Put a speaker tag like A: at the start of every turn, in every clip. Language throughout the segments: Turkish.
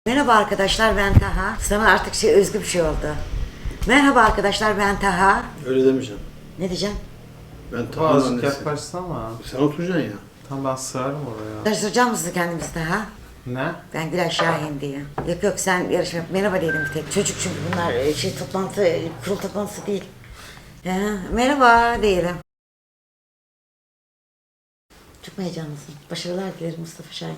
A: Merhaba arkadaşlar, ben Taha. Sana artık özgü bir şey oldu. Merhaba arkadaşlar, ben Taha.
B: Öyle demeyeceğim.
A: Ne diyeceğim?
B: Ben Taha'nın
C: Azıcık
B: annesi.
C: yaklaşsana.
B: Sen oturacaksın ya.
C: Tamam ben sığarım oraya.
A: Yarıştıracağım mısın kendimizi Taha?
C: Ne?
A: Ben Gülay Şahin diye. Yok sen yarışma merhaba diyelim bir tek. Çocuk çünkü bunlar kurul toplantısı değil. Merhaba diyelim. Çok mu heyecanlısın? Başarılar dilerim Mustafa Şahin.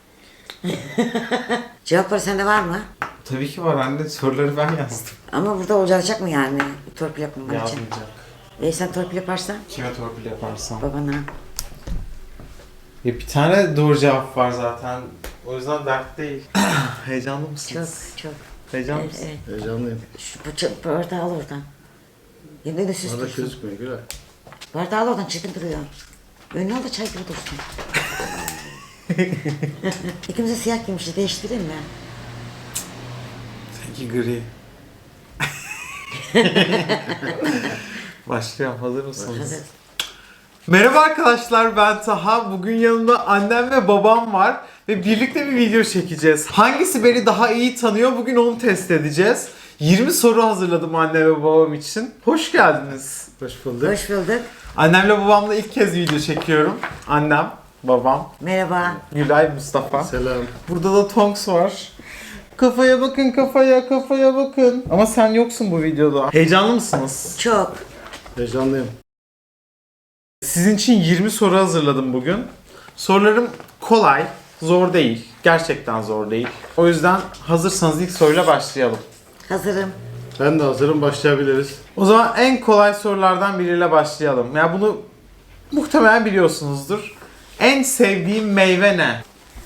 A: Cevapları sende var mı?
C: Tabii ki var anne, soruları ben yazdım.
A: Ama burada olacak mı yani torpil yapmaman için?
C: Yazmayacak.
A: Sen torpil yaparsan
C: Kime torpil yaparsam.
A: babana.
C: Ya bir tane doğru cevap var zaten. O yüzden dert değil. Heyecanlı
A: Çok
C: mısınız?
A: çok.
C: Heyecanlı mısın?
A: Evet.
B: Heyecanlıyım.
A: Şu bardağı al oradan. Yerine de süs
B: Bana da
A: dursun.
B: gözükmüyor Gülay.
A: Bardağı al oradan çirkin duruyor. Önüne al da çay gibi dursun. İkimiz de siyah giymişiz. Değiştireyim mi?
C: Seninki gri. Başlayalım. Hazır mısınız?
A: Hazır.
C: Merhaba arkadaşlar, ben Taha. Bugün yanımda annem ve babam var ve birlikte bir video çekeceğiz. Hangisi beni daha iyi tanıyor? Bugün onu test edeceğiz. 20 soru hazırladım anne ve babam için. Hoş geldiniz.
B: Hoş bulduk.
A: Hoş bulduk.
C: Annemle babamla ilk kez video çekiyorum. Annem, babam,
A: Merhaba.
C: Gülay, Mustafa.
B: Selam.
C: Burada da Tonks var. Kafaya bakın, kafaya bakın. Ama sen yoksun bu videoda. Heyecanlı mısınız?
A: Çok.
B: Heyecanlıyım.
C: Sizin için 20 soru hazırladım bugün. Sorularım kolay, zor değil. Gerçekten zor değil. O yüzden hazırsanız ilk soruyla başlayalım.
A: Hazırım.
B: Ben de hazırım. Başlayabiliriz.
C: O zaman en kolay sorulardan biriyle başlayalım. Ya bunu muhtemelen biliyorsunuzdur. En sevdiğim meyve ne?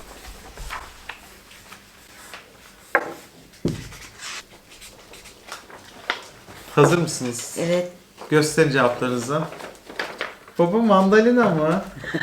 C: Hazır mısınız?
A: Evet.
C: Gösterin cevaplarınızı. Baba mandalina mı?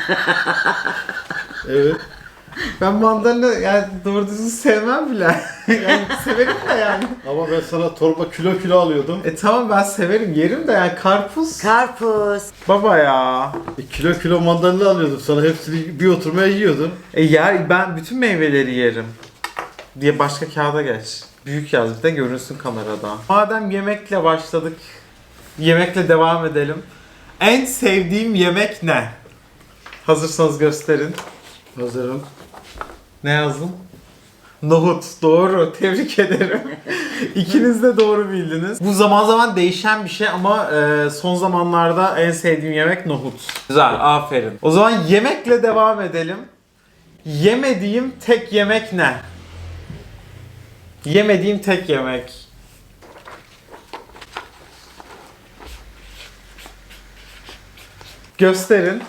B: Evet.
C: Ben mandalina yani doğru düzgün sevmem bile. Yani severim de yani.
B: Ama ben sana torba kilo alıyordum.
C: Tamam ben severim yerim de yani karpuz.
A: Karpuz.
C: Baba ya.
B: Kilo mandalina alıyordum sana. Hepsini bir oturmaya yiyordum.
C: Yer ben bütün meyveleri yerim. Diye başka kağıda geç. Büyük yaz bir de görünsün kamerada. Madem yemekle başladık. Yemekle devam edelim. En sevdiğim yemek ne? Hazırsanız gösterin.
B: Hazırım.
C: Ne yazdın? Nohut. Doğru. Tebrik ederim. İkiniz de doğru bildiniz. Bu zaman zaman değişen bir şey ama son zamanlarda en sevdiğim yemek nohut. Güzel. Aferin. O zaman yemekle devam edelim. Yemediğim tek yemek ne? Yemediğim tek yemek. Gösterin.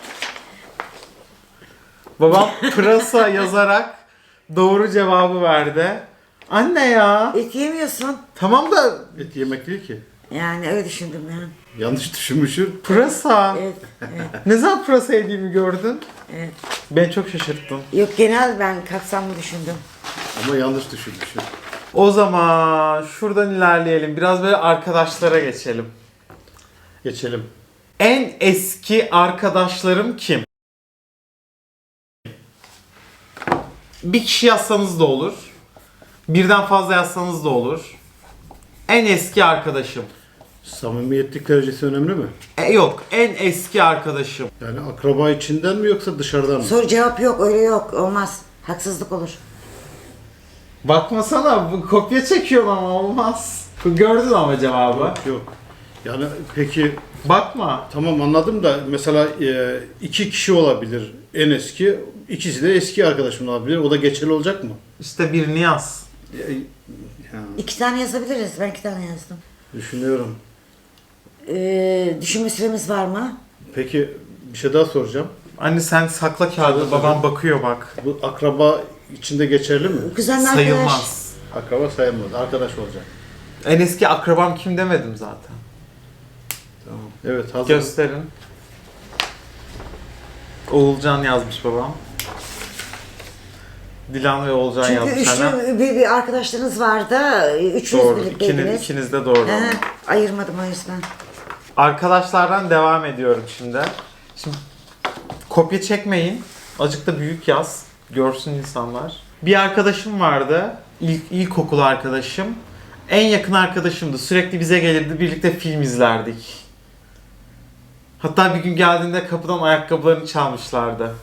C: Babam pırasa yazarak doğru cevabı verdi. Anne ya.
A: Et yemiyorsun.
C: Tamam da
B: Et yemek değil ki.
A: Yani öyle düşündüm ben.
B: Yanlış düşünmüşsün.
C: pırasa.
A: Evet.
C: Ne zaman pırasa yediğimi gördün?
A: Evet.
C: Beni çok şaşırttın.
A: Yok genel ben kapsamlı düşündüm.
B: Ama yanlış düşünmüşsün.
C: O zaman şuradan ilerleyelim. Biraz böyle arkadaşlara geçelim.
B: Geçelim.
C: En eski arkadaşlarım kim? Bir kişi yazsanız da olur. Birden fazla yazsanız da olur. En eski arkadaşım.
B: Samimiyetlik derecesi önemli mi?
C: Yok, en eski arkadaşım.
B: Yani akraba içinden mi yoksa dışarıdan mı?
A: Soru cevap yok öyle yok. Olmaz. Haksızlık olur.
C: Bakmasana, bu kopya çekiyorum ama olmaz. Gördün ama cevabı.
B: Yok. Yani peki
C: Bakma.
B: tamam anladım da mesela iki kişi olabilir en eski. İkisi de eski arkadaşım olabilir. O da geçerli olacak mı?
C: İşte birini yaz.
B: Ha,
A: 2 tane yazabiliriz. Ben 2 tane yazdım.
B: düşünüyorum.
A: Düşünme süremiz var mı?
B: Peki bir şey daha soracağım.
C: Anne sen sakla kağıdı, babam bakıyor bak.
B: Bu akraba içinde geçerli mi?
A: Kuzenle arkadaş.
C: Sayılmaz.
B: Akraba sayılmaz. Arkadaş olacak.
C: En eski akrabam kim demedim zaten.
B: Tamam. Evet hazır.
C: Gösterin. Oğulcan yazmış babam. Dilan ve Oğulcan
A: Çünkü
C: yazmış annem.
A: üçlü bir arkadaşlarınız vardı. Üçünüz
C: Doğru.
A: birlikteydiniz.
C: İkiniz de doğru.
A: He, ayırmadım o yüzden.
C: Arkadaşlardan devam ediyorum şimdi. Şimdi kopya çekmeyin. Azıcık da büyük yaz. Görsün insanlar. Bir arkadaşım vardı. İlkokul arkadaşım. En yakın arkadaşımdı. Sürekli bize gelirdi. Birlikte film izlerdik. Hatta bir gün geldiğinde kapıdan ayakkabılarını çalmışlardı.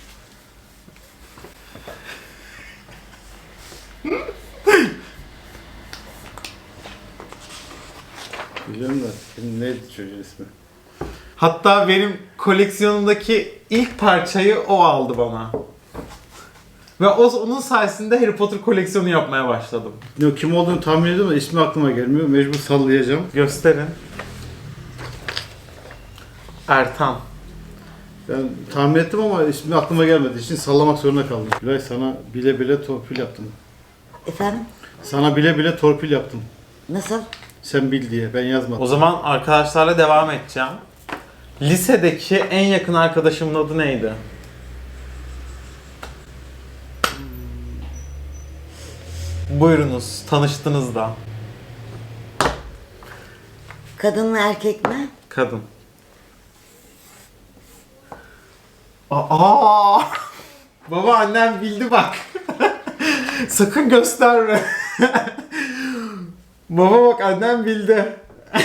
B: Biliyorum da şimdi neydi çocuğun ismi?
C: Hatta benim koleksiyonumdaki ilk parçayı o aldı bana. Ve onun sayesinde Harry Potter koleksiyonu yapmaya başladım.
B: Ne, kim olduğunu tahmin ediyorum da ismi aklıma gelmiyor. Mecbur sallayacağım.
C: Gösterin. Ertan.
B: Ben tahmin ettim ama ismi aklıma gelmediği için sallamak zorunda kaldım. Gülay, sana bile bile torpil yaptım.
A: Efendim?
B: Sana bile bile torpil yaptım.
A: Nasıl?
B: Sen bil diye, ben yazmadım.
C: O zaman arkadaşlarla devam edeceğim. Lisedeki en yakın arkadaşımın adı neydi? Buyurunuz, tanıştınız da.
A: Kadın mı erkek mi?
C: Kadın. Aa! Baba, annem bildi bak. Sakın gösterme. Baba bak, annem bildi.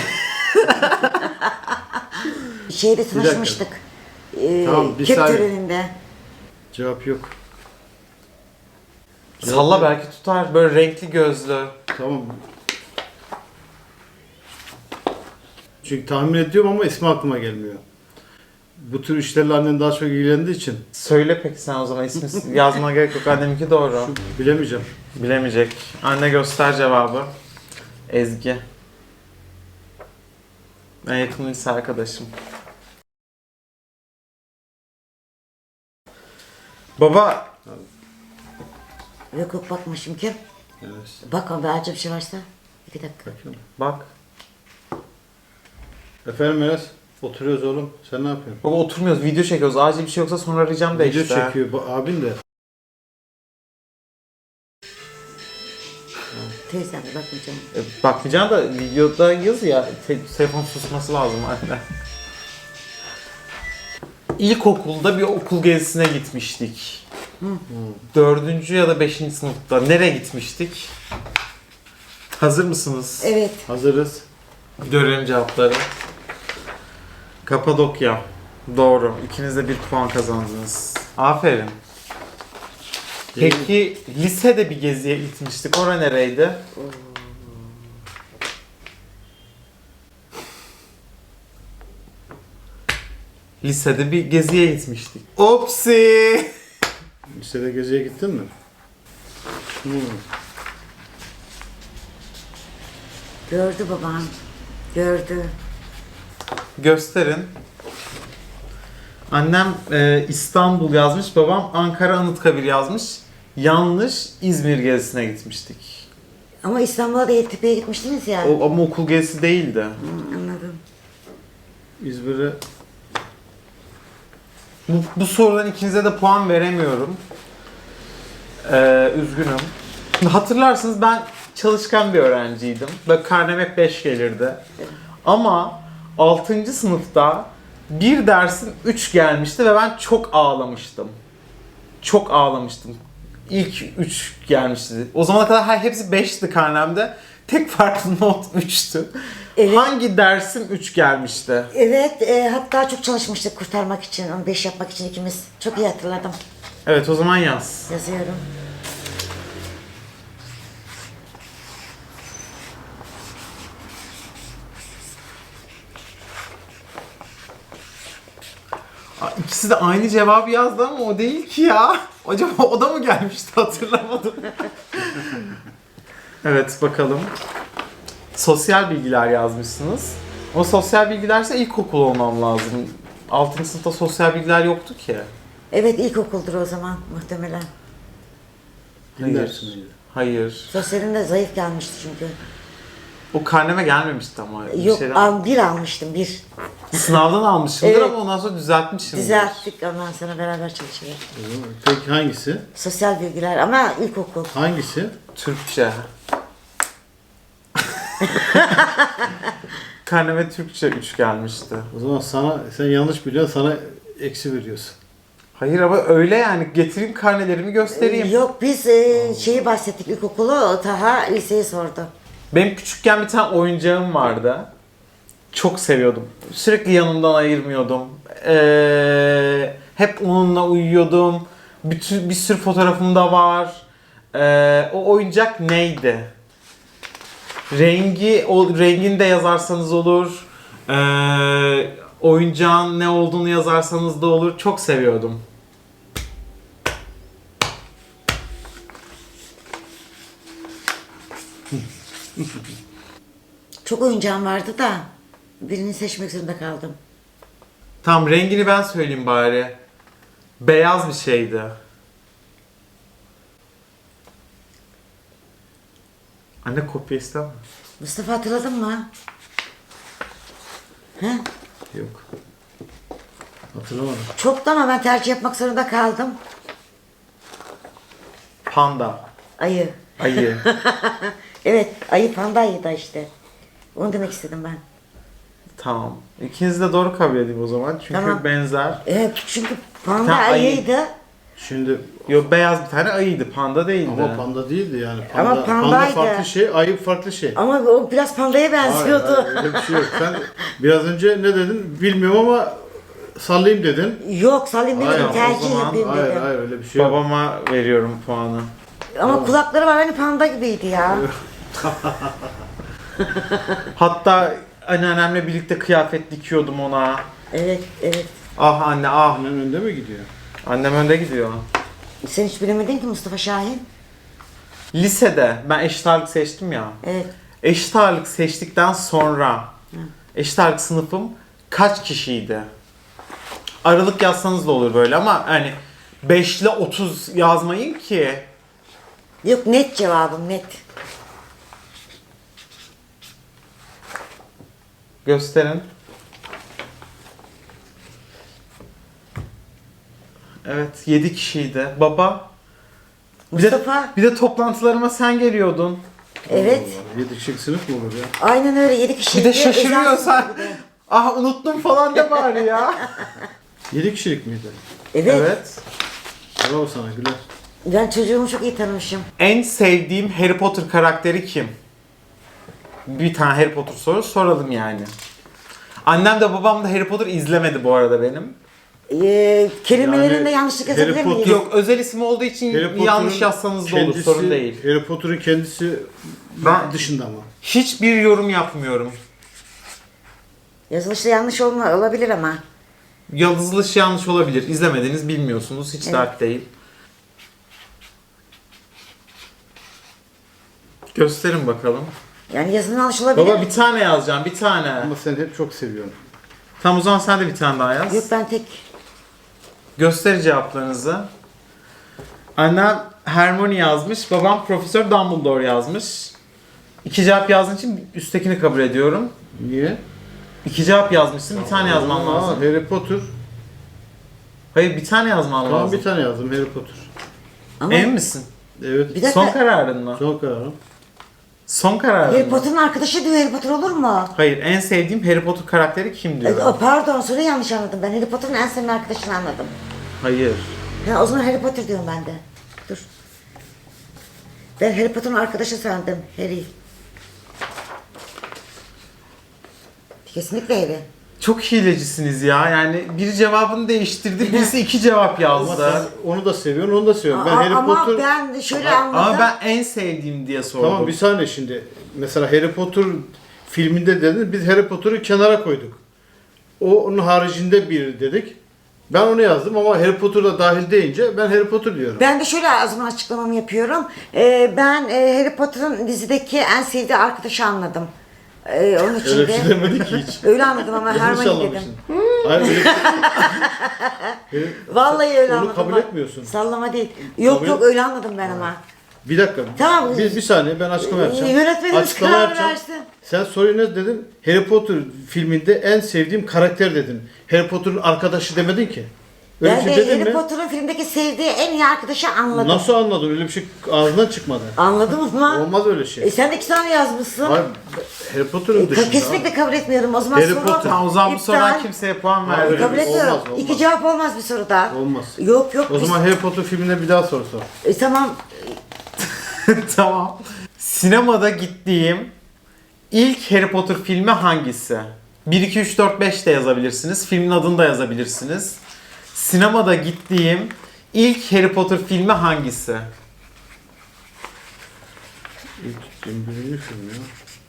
A: Şeyde tanışmıştık.
B: Tamam, bir
A: Kep
B: saniye.
A: töreninde.
B: Cevap yok.
C: Salla, belki tutar. Böyle renkli gözlü.
B: Tamam. Çünkü tahmin ediyorum ama ismi aklıma gelmiyor. Bu tür işlerle annen daha çok ilgilendiği için
C: Söyle peki sen o zaman, ismi yazmana gerek yok. Anneminki doğru.
B: bilemeyeceğim.
C: Bilemeyecek. Anne, göster cevabı. Ezgi. En yakın lise arkadaşım. Baba,
A: Yok yok bakmışım kim?
B: Evet.
A: Bak ama acil bir şey varsa. 2 dakika.
B: Bakıyorum.
C: bak.
B: Efendim Enes, oturuyoruz oğlum. Sen ne yapıyorsun?
C: Baba, oturmuyoruz, video çekiyoruz. Acil bir şey yoksa sonra arayacağım da
B: Video
C: işte.
B: çekiyor abin de.
A: Teyzem de bakmayacağım.
C: Bakmayacaksın da videoda yaz ya. Telefon susması lazım anne. İlkokulda bir okul gezisine gitmiştik. 4. ya da 5. sınıfta. Nereye gitmiştik? Hazır mısınız?
A: Evet.
B: Hazırız.
C: Görelim cevapları. Kapadokya. Doğru. İkiniz de 1 puan kazandınız. Aferin. Peki lisede bir geziye gitmiştik. Ora nereydi? Lisede bir geziye gitmiştik. Opsi!
B: Lisede geziye gittin mi?
A: Gördü babam. Gördü.
C: Gösterin. Annem İstanbul yazmış, babam Ankara Anıtkabir yazmış. Yanlış, İzmir gezisine gitmiştik.
A: Ama İstanbul'a da Yeditepe'ye gitmiştiniz ya.
C: Ama okul gezisi değildi.
A: Anladım.
B: İzmir'e
C: Bu sorudan ikinize de puan veremiyorum. Üzgünüm. Hatırlarsınız, ben çalışkan bir öğrenciydim. Ve karnem hep 5 gelirdi. Ama 6. sınıfta bir dersim 3 gelmişti ve ben çok ağlamıştım. Çok ağlamıştım. İlk 3 gelmişti. O zamana kadar hepsi 5'ti karnemde. Tek farklı not 3'tü.
A: Evet.
C: Hangi dersim 3 gelmişti?
A: Evet, hatta çok çalışmıştık kurtarmak için, onu 5 yapmak için ikimiz. Çok iyi hatırladım.
C: Evet, o zaman yaz.
A: Yazıyorum.
C: İkisi de aynı cevabı yazdı ama o değil ki ya. Acaba o da mı gelmişti, hatırlamadım. Evet, bakalım. Sosyal bilgiler yazmışsınız. O sosyal bilgilerse ilkokul olmam lazım. 6. sınıfta sosyal bilgiler yoktu ki.
A: Evet, ilkokuldur o zaman muhtemelen.
B: din dersi miydi?
C: Hayır.
A: Sosyalinde zayıf gelmişti çünkü.
C: O karneme gelmemişti ama.
A: Yok, bir almıştım, bir.
C: Sınavdan almışımdır
A: Evet.
C: ama ondan sonra düzeltmişimdir.
A: Düzelttik, ondan sonra beraber çalışıyoruz.
B: Peki hangisi?
A: Sosyal bilgiler ama ilkokul.
B: Hangisi?
C: Türkçe. Karneme Türkçe 3 gelmişti.
B: O zaman sen yanlış biliyorsun, sana eksi veriyorsun.
C: Hayır ama öyle yani. Getireyim karnelerimi göstereyim.
A: Yok biz şeyi bahsettik ilkokulu, Taha liseyi sordu.
C: Benim küçükken bir tane oyuncağım vardı. Çok seviyordum. Sürekli yanımdan ayırmıyordum. Hep onunla uyuyordum. Bir sürü fotoğrafım da var. O oyuncak neydi? Rengini de yazarsanız olur. Oyuncağın ne olduğunu yazarsanız da olur. Çok seviyordum.
A: Çok oyuncağım vardı da birini seçmek zorunda kaldım.
C: Tamam, rengini ben söyleyeyim bari. Beyaz bir şeydi. Anne kopya istemem.
A: Mustafa hatırladın mı? He?
B: Yok. Hatırlamadım.
A: Çoktu ama ben tercih yapmak zorunda kaldım.
C: Panda.
A: Ayı.
C: Ayı.
A: Evet, ayı panda ayı da işte. Onu demek istedim ben.
C: Tamam. İkiniz de doğru kabul edeyim o zaman. Çünkü
A: Tamam.
C: benzer.
A: Evet, çünkü panda
C: Tamam, ayı.
A: ayıydı.
B: Şimdi
C: Yok, beyaz bir tane ayıydı. Panda değildi.
B: ama panda değildi yani.
A: Ama
B: Panda
A: pandaydı.
B: farklı şey, ayı farklı şey.
A: Ama o biraz pandaya
B: Hayır,
A: benziyordu.
B: hayır, öyle bir şey yok. Sen biraz önce ne dedin bilmiyorum ama sallayayım dedin.
A: Yok, Salim
B: Hayır,
A: dedim,
B: o
A: tercih
C: zaman
A: yapayım
B: Hayır
A: dedim.
B: hayır öyle bir şey yok.
C: Babama veriyorum puanı.
A: Ama kulakları var, hani panda gibiydi ya.
C: Hatta anneannemle birlikte kıyafet dikiyordum ona.
A: Evet, evet.
C: Ah anne ah.
B: Annen önde mi gidiyor?
C: Annem önde gidiyor.
A: Sen hiç bilemedin ki Mustafa Şahin.
C: Lisede ben eşit ağırlık seçtim ya.
A: Evet.
C: Eşit ağırlık seçtikten sonra eşit ağırlık sınıfım kaç kişiydi? Aralık yazsanız da olur böyle ama hani 5 ile 30 yazmayın ki.
A: Yok, net cevabım, net.
C: Gösterin. Evet, 7 kişiydi. Baba.
A: Mustafa.
C: Bir de toplantılarıma sen geliyordun.
A: Evet.
B: 7 kişilik sınıf mı olur ya?
A: Aynen öyle, 7 kişi.
C: Bir de şaşırıyorsan. Ah unuttum falan de bari ya.
B: 7 kişilik miydi?
A: Evet.
C: Evet.
B: Bravo sana Güler.
A: Ben çocuğumu çok iyi tanımışım.
C: En sevdiğim Harry Potter karakteri kim? Bir tane Harry Potter soru soralım yani. Annem de babam da Harry Potter izlemedi bu arada benim.
A: Kelimelerinde
B: Yani
A: yanlışlık
B: Harry
A: yazabilir miyiz?
B: Potter-
C: Yok, özel isim olduğu için
B: Harry Potter'ın
C: yanlış yazsanız da olur,
B: kendisi-
C: sorun değil.
B: Harry Potter'ın kendisi
C: Ben-
B: dışında ama.
C: Hiçbir yorum yapmıyorum.
A: Yazılışta yanlış olabilir ama.
C: Yazılış yanlış olabilir. İzlemediniz, bilmiyorsunuz. Hiç
A: Evet.
C: dert değil. Gösterin bakalım.
A: Yani yazının yanlış olabilir.
C: Baba bir tane yazacağım, bir tane.
B: Ama sen hep çok seviyorsun.
C: Tamam o zaman sen de bir tane daha yaz.
A: Yok, ben tek.
C: Göster cevaplarınızı. Annem Hermione yazmış, babam Profesör Dumbledore yazmış. İki cevap yazdığın için üsttekini kabul ediyorum.
B: Niye?
C: İki cevap yazmışsın, bir tane yazman
B: Aa,
C: lazım.
B: Harry Potter.
C: Hayır, bir tane yazman
B: Tamam
C: lazım.
B: bir tane yazdım Harry Potter.
A: Ama
C: Emin misin?
B: Evet.
A: Bir dakika.
C: Son kararın mı?
B: Son kararım.
C: Son kararın
A: Harry
C: mı?
A: Potter'ın arkadaşı diyor, Harry Potter olur mu?
C: Hayır, en sevdiğim Harry Potter karakteri kim diyor?
A: Pardon, soruyu yanlış anladım. Ben Harry Potter'ın en sevdiğim arkadaşını anladım.
C: Hayır.
A: Ha, o zaman Harry Potter diyorum ben de. Dur. Ben Harry Potter'ın arkadaşı sandım. Harry. Kesinlikle Harry.
C: Çok hilecisiniz ya. Yani biri cevabını değiştirdi, birisi iki cevap
B: Ama
C: yazdı.
B: sen onu da seviyorsun, onu da seviyorum. Ben Harry
A: Ama
B: Potter...
A: ben şöyle anladım.
C: Ama ben en sevdiğim diye sordum.
B: Tamam bir saniye şimdi. Mesela Harry Potter filminde dedin, biz Harry Potter'ı kenara koyduk. Onun haricinde bir dedik. Ben onu yazdım ama Harry Potter da dahil deyince ben Harry Potter diyorum.
A: Ben de şöyle o zaman açıklamamı yapıyorum. Ben Harry Potter'ın dizideki en sevdiği arkadaşı anladım. Onun için
B: Öyle bir
A: de.
B: şey demedik ki hiç.
A: Öyle anladım ama
B: Yanlış
A: Hermione dedim.
B: anlamışsın. Hayır öyle
A: Vallahi öyle
B: Onu
A: anladım.
B: kabul
A: bak.
B: etmiyorsun.
A: Sallama değil. Yok
B: Kabul
A: yok
B: et-
A: öyle anladım ben ama.
B: Bir dakika.
A: Tamam.
B: Bir saniye ben açıklama yapacağım.
A: Yönetmenimiz
B: Açıklama
A: karar
B: yapacağım.
A: versin.
B: Sen soruyu ne dedin? Harry Potter filminde en sevdiğim karakter dedin. Harry Potter'ın arkadaşı demedin ki. Öyle
A: Ben
B: bir
A: de
B: şey dedim
A: Harry
B: mi?
A: Potter'ın filmdeki sevdiği en iyi arkadaşı anladım.
B: Nasıl anladın? Öyle bir şey ağzından çıkmadı.
A: Anladım ama.
B: Olmaz öyle şey.
A: Sen de 2 tane yazmışsın.
B: Hayır, Harry Potter'ın dışında.
A: Kesinlikle kabul etmiyorum. O zaman
B: Harry
A: soru
B: Potter.
C: Tamam, o zaman bu
A: iptal.
C: sorudan kimseye puan
B: Hayır,
C: vermiyoruz.
A: Kabul etmiyorum.
B: Olmaz.
A: 2 cevap olmaz bir soruda.
B: Olmaz.
A: Yok yok.
B: O zaman Harry Potter filmine bir daha soru sor.
A: Tamam.
C: Tamam. Sinemada gittiğim ilk Harry Potter filmi hangisi? 1, 2, 3, 4, 5 de yazabilirsiniz. Filmin adını da yazabilirsiniz. Sinemada gittiğim ilk Harry Potter filmi hangisi?
B: İlk birinci film ya.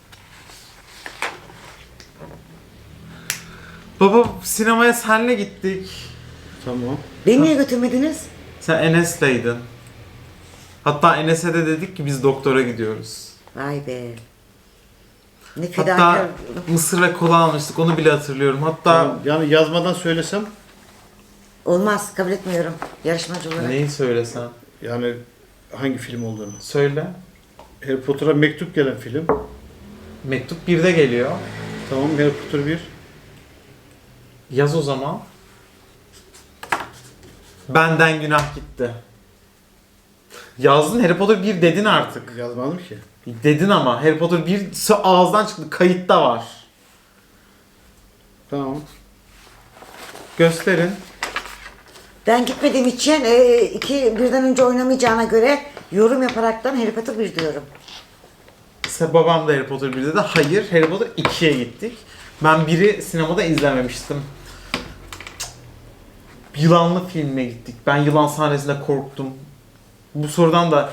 C: Baba, sinemaya senle gittik.
B: Tamam.
A: Beni niye götürmediniz?
C: Sen Enes'leydin. Hatta Enes'e de dedik ki biz doktora gidiyoruz.
A: Vay be. Ne
C: Hatta
A: fedakar.
C: mısır ve kola almıştık, onu bile hatırlıyorum. Hatta
B: Tamam. Yani yazmadan söylesem,
A: Olmaz. Kabul etmiyorum. Yarışmacı olarak.
C: neyi söylesen?
B: yani hangi film olduğunu.
C: Söyle.
B: Harry Potter'a mektup gelen film.
C: Mektup 1'de geliyor.
B: Tamam, Harry Potter 1.
C: Yaz o zaman. Benden günah gitti. Yazdın, Harry Potter 1 dedin artık.
B: Yazmadım ki.
C: Dedin ama Harry Potter 1 ağızdan çıktı. Kayıtta var.
B: Tamam.
C: Gösterin.
A: Ben gitmediğim için birden önce oynamayacağına göre yorum yaparaktan Harry Potter 1 diyorum.
C: Babam da Harry Potter 1 dedi. Hayır, Harry Potter 2'ye gittik. Ben 1'i sinemada izlememiştim. Yılanlı filmine gittik. Ben yılan sahnesinde korktum. Bu sorudan da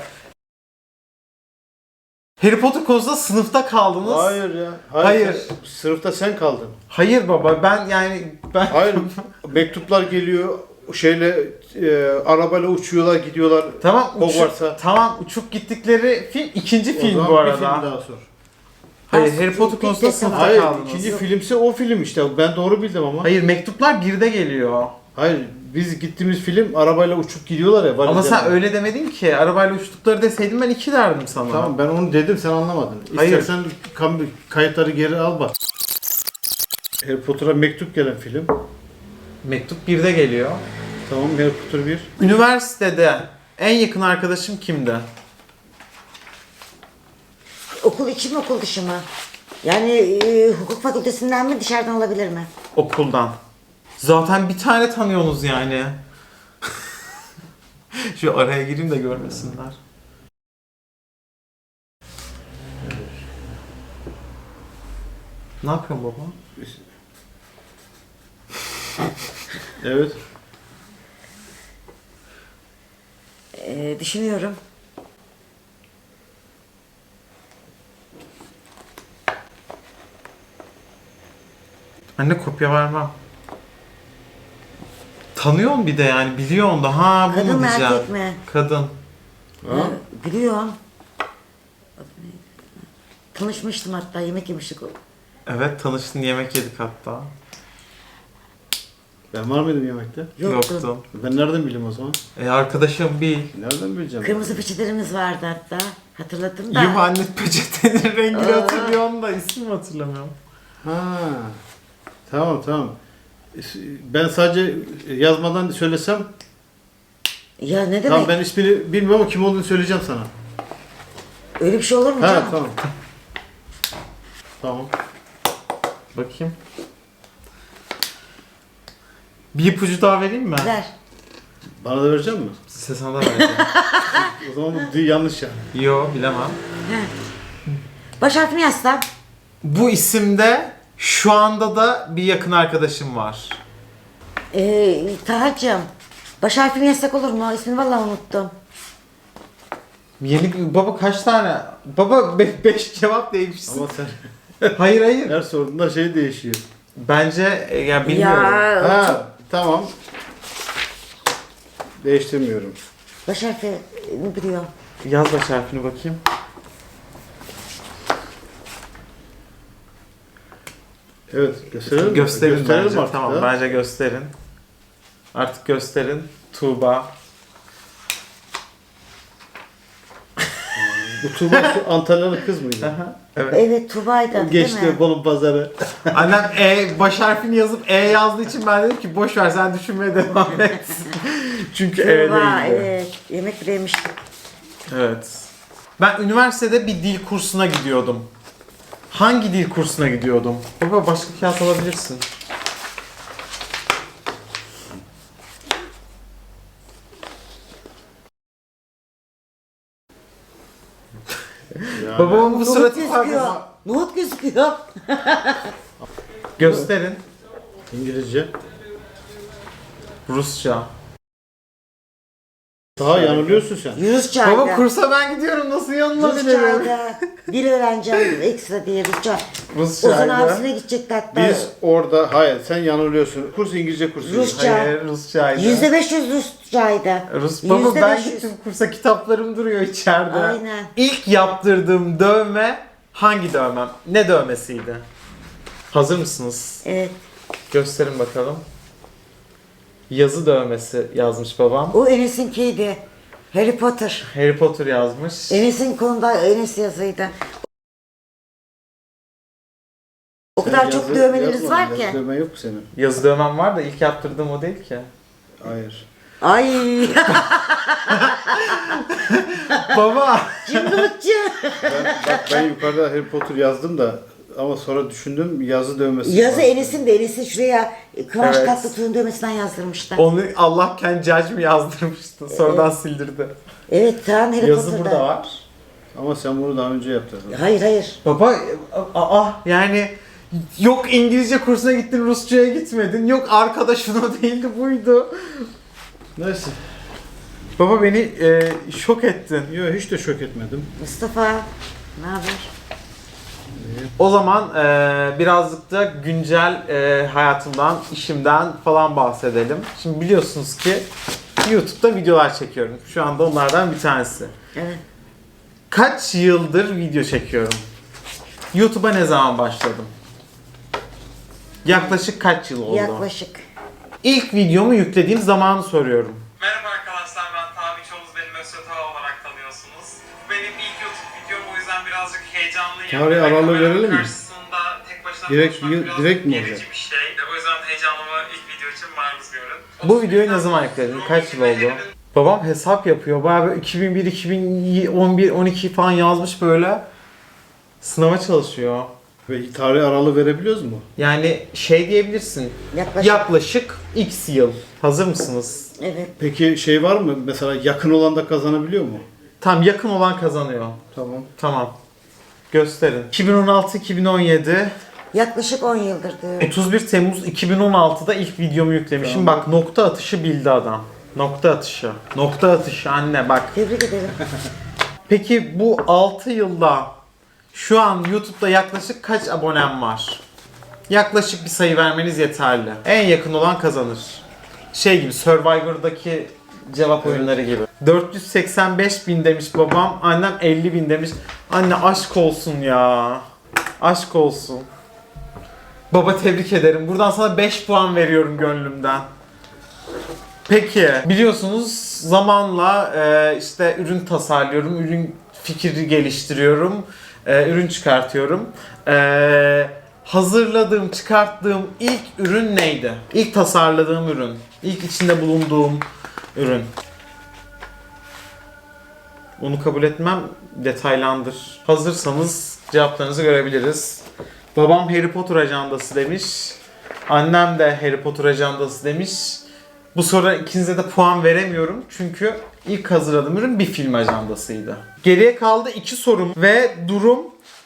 C: Harry Potter konusunda sınıfta kaldınız.
B: Hayır ya.
C: Hayır.
B: Sınıfta sen kaldın.
C: Hayır baba, ben
B: Hayır. Mektuplar geliyor. Arabayla uçuyorlar, gidiyorlar.
C: tamam
B: Hogwarts'a.
C: tamam, uçup gittikleri film ikinci
B: O
C: film
B: zaman
C: bu
B: bir
C: arada.
B: film daha sor.
C: Hayır,
A: Ha,
C: Harry Potter
A: peki,
C: konusunda
A: tamam.
C: sınıfta
B: Hayır,
C: kaldınız.
B: ikinci filmse o film işte. Ben doğru bildim ama.
C: Hayır, mektuplar 1'de geliyor.
B: Hayır, biz gittiğimiz film arabayla uçup gidiyorlar ya.
C: Ama sen
B: valizlerle.
C: öyle demedin ki. Arabayla uçtukları deseydin ben 2 derdim sana.
B: Tamam, ben onu dedim, sen anlamadın.
C: Hayır.
B: İstersen kayıtları geri al bak. Harry Potter'a mektup gelen film.
C: Mektup 1'de geliyor.
B: Tamam, Harry Potter 1.
C: Üniversitede en yakın arkadaşım kimdi?
A: Okul içi mi okul dışı mı? Yani hukuk fakültesinden mi dışarıdan olabilir mi?
C: Okuldan. Zaten bir tane tanıyorsunuz yani. Şu araya gireyim de görmesinler. Ne yapıyorsun baba?
B: Evet.
A: Düşünüyorum.
C: Anne, kopya vermem. Tanıyorsun bir de yani, biliyorsun da ha bu
A: Kadın
C: mu
A: mı
C: diyeceğim.
A: erkek mi?
C: Kadın.
B: Ha?
A: Biliyorum. Tanışmıştım hatta, yemek yemiştik.
C: Evet, tanıştın, yemek yedik hatta.
B: Ben var mıydım yemekte?
A: Yoktu.
C: Yoktun.
B: Ben nereden bileyim o zaman?
C: Arkadaşım bil.
B: Nereden bileceğim?
A: Kırmızı peçetelerimiz vardı hatta. Hatırladım da.
C: Yuh anne, peçetenin rengini
A: Aa.
C: hatırlıyorum da ismini hatırlamıyorum.
B: Ha. Tamam. Ben sadece yazmadan söylesem,
A: Ya ne demek?
B: tamam ben ismini bilmiyorum ama kim olduğunu söyleyeceğim sana.
A: Öyle bir şey olur mu
B: Ha,
A: canım?
B: tamam. Tamam.
C: Bakayım. Bir ipucu daha vereyim mi?
A: Ver.
B: Bana da verecek misin?
C: Size sana da vereceğim.
B: O zaman bu yanlış yani.
C: Yo, bilemem.
A: He. Baş harfini yazsam.
C: Bu isimde şu anda da bir yakın arkadaşım var.
A: Tahacığım. Baş harfini yazsak olur mu? İsmini vallahi unuttum.
C: Yeni baba, kaç tane? Baba 5 cevap değişsin.
B: Ama sen
C: Hayır.
B: her sorduğunda şey değişiyor.
C: Bence ya bilmiyorum.
A: Ya çok...
B: Ha, tamam. Değiştirmiyorum.
A: Baş harfini biliyor.
C: Yaz baş harfini bakayım.
B: Evet, gösterelim mi?
C: Gösterin
B: Gösterelim
C: bence.
B: artık
C: Tamam,
B: ya.
C: bence gösterin. Artık gösterin. Tuğba.
B: Bu Tuğba şu Antalyalı kız mıydı?
C: Aha, evet.
A: Evet Tuba'ydı değil mi?
B: Geçti Bolu pazarı.
C: Annem baş harfini yazıp yazdığı için ben dedim ki boş ver sen düşünmeye devam et. Çünkü
A: Tuba
C: değildi.
A: evet. Yemek bile yemiştik.
C: Evet. Ben üniversitede bir dil kursuna gidiyordum. Hangi dil kursuna gidiyordum? Baba başka kağıt alabilirsin.
B: Yani,
C: Babamın bu
A: Nohut
C: suratı
A: gözüküyor.
C: var.
A: Nohut gözüküyor.
C: Gösterin.
B: İngilizce.
C: Rusça.
B: Daha yanılıyorsun sen.
A: Rusçaydı.
C: Baba kursa ben gidiyorum nasıl yanılabilirim?
A: Rusçaydı. Dil öğreneceğim ekstra diye Rusça. Ozan
C: Rusçaydı.
A: abisine gidecekti hatta.
B: Biz orada, hayır sen yanılıyorsun. Kurs İngilizce kursu.
A: Rusça.
C: Hayır Rusçaydı.
A: %500 Rusçaydı.
C: Baba ben
A: %500.
C: gittim kursa kitaplarım duruyor içeride.
A: Aynen.
C: İlk yaptırdığım dövme hangi dövmem? Ne dövmesiydi? Hazır mısınız?
A: Evet.
C: Gösterin bakalım. Yazı dövmesi yazmış babam.
A: O Enes'inkiydi. Harry Potter.
C: Harry Potter yazmış.
A: Enes'in konuda Enes yazıydı. O
B: Sen
A: kadar çok
B: yazı
A: dövmeleriniz
B: yazmadın,
A: var
B: yazı
A: ki.
B: dövmen yok mu senin?
C: Yazı dövmem var da ilk yaptırdığım o değil ki.
B: Hayır.
A: Ay
C: Baba!
A: cımbılıkçı.
B: Ben yukarıda Harry Potter yazdım da ama sonra düşündüm yazı dövmesi.
A: Yazı
B: var.
A: Enes'in de Enes'in şuraya Kıvanç
C: Evet.
A: Tatlıtuğ'un dövmesinden yazdırmıştı.
C: Onu Allah kendi judge mi yazdırmıştı. Sonradan sildirdi.
A: Evet tamam Harry
C: Yazı
A: Potter'da.
C: burada var.
B: Ama sen bunu daha önce yaptın.
A: Hayır hayır.
C: Baba yani yok İngilizce kursuna gittin Rusça'ya gitmedin. Yok arkadaşın o değildi buydu.
B: Neyse.
C: Baba beni şok ettin.
B: Yok hiç de şok etmedim.
A: Mustafa ne haber?
C: O zaman birazcık da güncel hayatımdan, işimden falan bahsedelim. Şimdi biliyorsunuz ki YouTube'da videolar çekiyorum. Şu anda onlardan bir tanesi.
A: Evet.
C: Kaç yıldır video çekiyorum? YouTube'a ne zaman başladım? Yaklaşık kaç yıl oldu?
A: Yaklaşık.
C: İlk videomu yüklediğim zamanı soruyorum.
D: Merhaba arkadaşlar, ben Tabi Çoğuz, beni Mösyö Tava olarak tanıyorsunuz. Bu benim ilk YouTube videom, o yüzden birazcık heyecanlıyım.
B: Tarih
D: Ve
B: aralığı
D: kameranın
B: verelim mi?
D: Karşısında tek başına
B: Direkt-
D: konuşmak biraz
B: direkt mi
D: gerici
B: olacak?
D: bir şey. O yüzden heyecanımı ilk video için maruz görün.
C: Bu videoyu ne zaman yükledin? Kaç yıl oldu? Babam hesap yapıyor. Bayağı böyle 2001, 2011, 12 falan yazmış böyle. Sınava çalışıyor.
B: Ve tarih aralığı verebiliyoruz mu?
C: Yani şey diyebilirsin.
A: Yaklaşık.
C: Yaklaşık X yıl. Hazır mısınız?
A: Evet.
B: Peki şey var mı? Mesela yakın olan da kazanabiliyor mu?
C: Tam yakın olan kazanıyor.
B: Tamam.
C: Tamam. Gösterin. 2016-2017,
A: Yaklaşık 10 yıldır diyor.
C: 31 Temmuz 2016'da ilk videomu yüklemişim.
B: Tamam.
C: Bak nokta atışı bildi adam. Nokta atışı. Nokta atışı anne bak.
A: Tebrik ederim.
C: Peki bu 6 yılda şu an YouTube'da yaklaşık kaç abonem var? Yaklaşık bir sayı vermeniz yeterli. En yakın olan kazanır. Şey gibi Survivor'daki cevap oyunları gibi. 485.000 demiş babam, annem 50.000 demiş. Anne aşk olsun ya. Aşk olsun. Baba tebrik ederim. Buradan sana 5 puan veriyorum gönlümden. Peki biliyorsunuz zamanla işte ürün tasarlıyorum, ürün fikri geliştiriyorum, ürün çıkartıyorum. Hazırladığım, çıkarttığım ilk ürün neydi? İlk tasarladığım ürün, ilk içinde bulunduğum ürün. Onu kabul etmem, detaylandır. Hazırsanız cevaplarınızı görebiliriz. Babam Harry Potter ajandası demiş. Annem de Harry Potter ajandası demiş. Bu soruda ikinize de puan veremiyorum çünkü ilk hazırladığım ürün bir film ajandasıydı. Geriye kaldı 2 sorum ve durum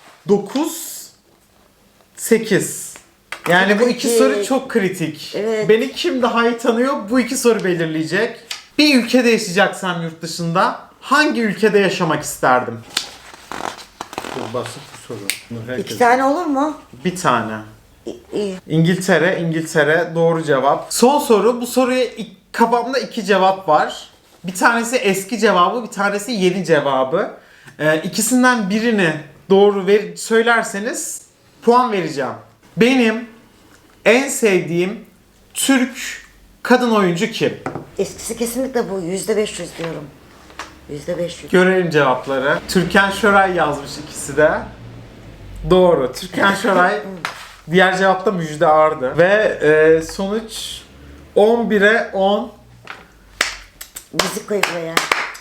C: 9-8. Yani bu 2
A: Kritik.
C: soru çok kritik.
A: Evet.
C: Beni kim daha iyi tanıyor bu 2 soru belirleyecek. Bir ülkede yaşayacaksam yurt dışında hangi ülkede yaşamak isterdim?
B: Çok basit bir soru. Bunu herkes-
A: 2 tane olur mu?
C: Bir tane.
A: İyi.
C: İngiltere doğru cevap. Son soru. Bu soruya kafamda 2 cevap var. Bir tanesi eski cevabı, bir tanesi yeni cevabı. İkisinden birini doğru söylerseniz puan vereceğim. Benim en sevdiğim Türk kadın oyuncu kim?
A: Eskisi kesinlikle bu. %500 diyorum. %500.
C: Görelim cevapları. Türkan Şoray yazmış ikisi de. Doğru. Türkan Şoray. Diğer cevap da Müjde Ardı. Ve sonuç 11'e 10.
A: Müzik koy buraya.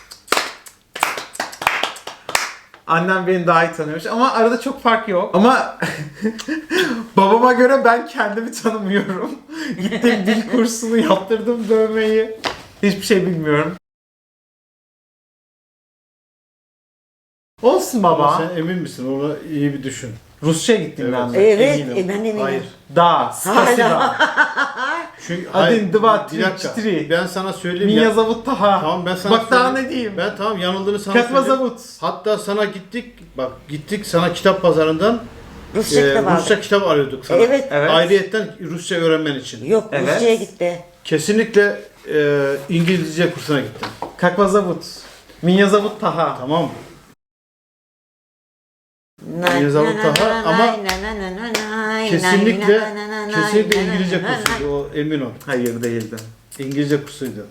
C: Annem beni daha iyi tanıyormuş ama arada çok fark yok. Ama babama göre ben kendimi tanımıyorum. Gittim dil kursunu, yaptırdım dövmeyi. Hiçbir şey bilmiyorum. Olsun
B: Ama
C: baba.
B: sen emin misin? Onu iyi bir düşün.
C: Rusça'ya gittim ben de.
A: Evet,
C: eminim.
A: ben de eminim.
B: Hayır.
C: Da, spasiba.
B: Çünkü
C: Adin, dva,
B: bir
C: tri,
B: dakika.
C: čtyři.
B: Ben sana söyleyeyim
C: Minja
B: ya.
C: zavut taha.
B: Tamam ben sana
C: Bak daha
B: söyleyeyim.
C: ne diyeyim.
B: Ben tamam yanıldığını sana
C: Katma
B: söyleyeyim.
C: zavut.
B: Hatta sana gittik sana kitap pazarından
A: Rusça kitap aldık.
B: Rusça kitap arıyorduk sana.
A: Evet.
C: Evet.
B: Ayrıyetten Rusça öğrenmen için.
A: Yok,
C: Evet.
A: Rusça'ya gitti.
B: Kesinlikle İngilizce kursuna gittim.
C: Kakva zavut. Minja zavut taha.
B: Tamam mı?
A: Nay,
B: Yazalım
A: nay,
B: daha
A: nay,
B: ama
A: nay, nay, nay, nay, nay,
B: Kesinlikle
A: nay, nay, nay,
B: kesinlikle
A: nay, nay,
B: İngilizce
A: nay, nay.
B: kursuydu o, emin ol.
C: Hayır değildi.
B: İngilizce kursuydu.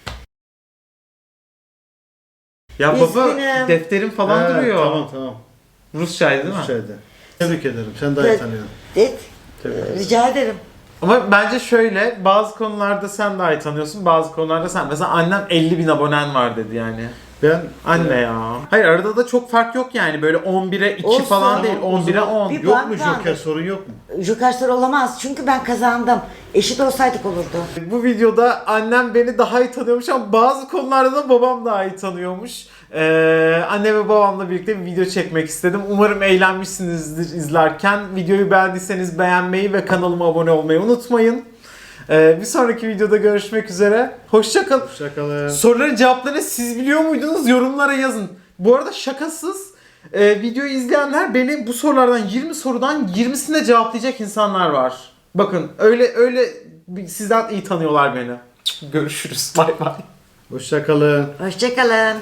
C: Ya baba
A: Üzgünüm.
C: defterim falan duruyor.
B: Tamam.
C: Rusçaydı değil mi?
B: Rusçaydı. Tebrik ederim. Sen daha iyi
A: Evet.
B: tanıyorsun.
A: Evet,
B: Tebrik ederim.
A: rica ederim.
C: Ama bence şöyle, bazı konularda sen daha iyi tanıyorsun, bazı konularda sen. Mesela annem 50.000 abonen var dedi yani.
B: Ben
C: Anne ya. Hayır arada da çok fark yok yani. Böyle 11'e 2
A: Olsun.
C: falan değil,
B: Tamam, o
C: 11'e
B: zaman
C: 10.
A: bir-
B: yok mu
A: puan
B: Joker sorun yok mu?
A: Joker soru olamaz çünkü ben kazandım. Eşit olsaydık olurdu.
C: Bu videoda annem beni daha iyi tanıyormuş ama bazı konularda da babam daha iyi tanıyormuş. Anne ve babamla birlikte bir video çekmek istedim. Umarım eğlenmişsinizdir izlerken. Videoyu beğendiyseniz beğenmeyi ve kanalıma abone olmayı unutmayın. Bir sonraki videoda görüşmek üzere. Hoşça kalın.
B: Hoşçakalın.
C: Soruların cevaplarını siz biliyor muydunuz? Yorumlara yazın. Bu arada şakasız videoyu izleyenler beni bu sorulardan 20 sorudan 20'sine cevaplayacak insanlar var. Bakın öyle sizden iyi tanıyorlar beni. Görüşürüz. Bay bay.
B: Hoşçakalın.
A: Hoşçakalın.